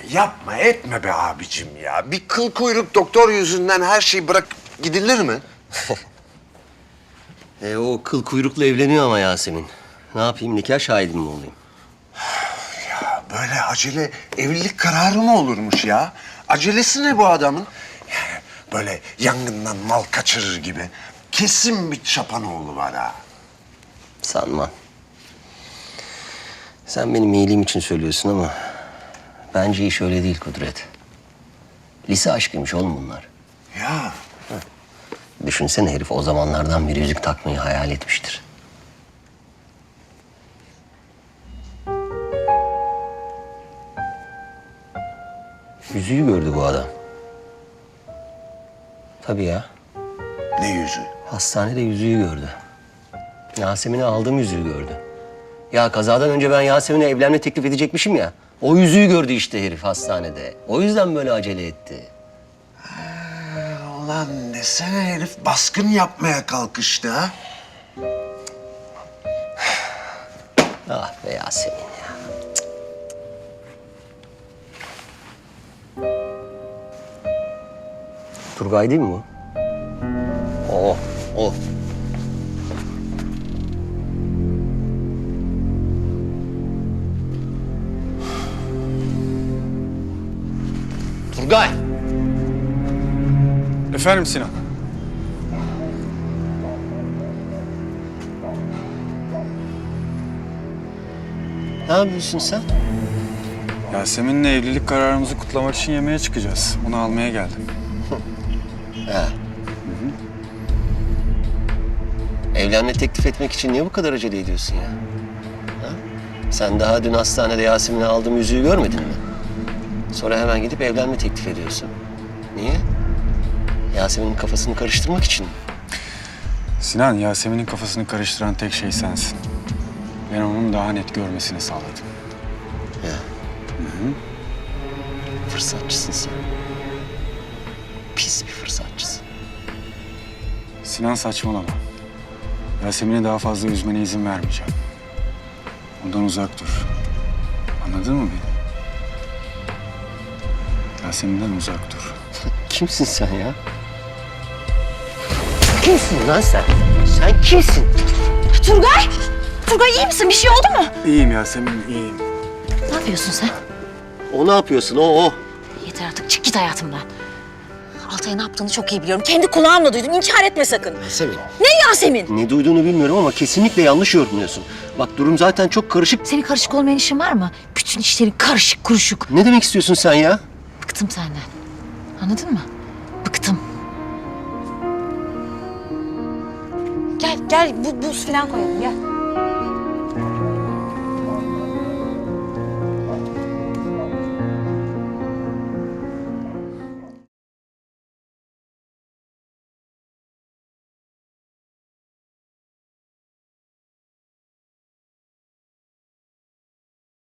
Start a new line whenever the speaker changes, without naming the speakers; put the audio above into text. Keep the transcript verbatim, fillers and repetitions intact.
Yapma etme be abicim ya. Bir kıl kuyruk doktor yüzünden her şeyi bırak gidilir mi?
E, o kıl kuyrukla evleniyor ama Yasemin. Ne yapayım, nikah şahidim mi olayım?
Ya böyle acele evlilik kararı mı olurmuş ya? Acelesi ne bu adamın? Yani böyle yangından mal kaçırır gibi. Kesin bir çapanoğlu var ha.
Sanmam. Sen benim iyiliğim için söylüyorsun ama... bence iş öyle değil Kudret. Lise aşkıymış oğlum bunlar.
Ya
Düşünsene herif o zamanlardan bir yüzük takmayı hayal etmiştir. Yüzüğü gördü bu adam. Tabii ya.
ne yüzü?
Hastanede yüzüğü gördü. Yasemin'e aldığım yüzüğü gördü. Ya kazadan önce ben Yasemin'e evlenme teklif edecekmişim ya. O yüzüğü gördü işte herif hastanede. O yüzden böyle acele etti.
Ulan desene herif baskın yapmaya kalkıştı ha.
Ah be Yasemin ya. Cık. Turgay değil mi bu? O, o. Turgay.
Efendim Sinan?
Ne yapıyorsun sen?
Yasemin'le evlilik kararımızı kutlamak için yemeğe çıkacağız. Onu almaya geldim.
Ha. Evlenme teklif etmek için niye bu kadar acele ediyorsun ya? Ha? Sen daha dün hastanede Yasemin'e aldığım yüzüğü görmedin mi? Sonra hemen gidip evlenme teklif ediyorsun. Niye? Yasemin'in kafasını karıştırmak için mi?
Sinan, Yasemin'in kafasını karıştıran tek şey sensin. Ben onun daha net görmesini sağladım.
Ya. Fırsatçısın sen. Pis bir fırsatçısın.
Sinan saçmalama. Yasemin'i daha fazla üzmene izin vermeyeceğim. Ondan uzak dur. Anladın mı beni? Yasemin'den uzak dur.
Kimsin sen ya? Kimsin lan sen? Sen kimsin?
Turgay! Turgay iyi misin? Bir şey oldu mu?
İyiyim Yasemin, iyiyim.
Ne yapıyorsun sen?
O ne yapıyorsun? O o.
Yeter artık çık git hayatımdan. Altay'a ne yaptığını çok iyi biliyorum. Kendi kulağımla duydum. İnkar etme sakın.
Yasemin.
Ne Yasemin?
Ne duyduğunu bilmiyorum ama kesinlikle yanlış yorumluyorsun. Bak durum zaten çok karışık.
Senin karışık olmayan işin var mı? Bütün işlerin karışık kuruşuk.
Ne demek istiyorsun sen ya?
Bıktım senden. Anladın mı? Bıktım. Gel gel bu, buz falan koyalım gel.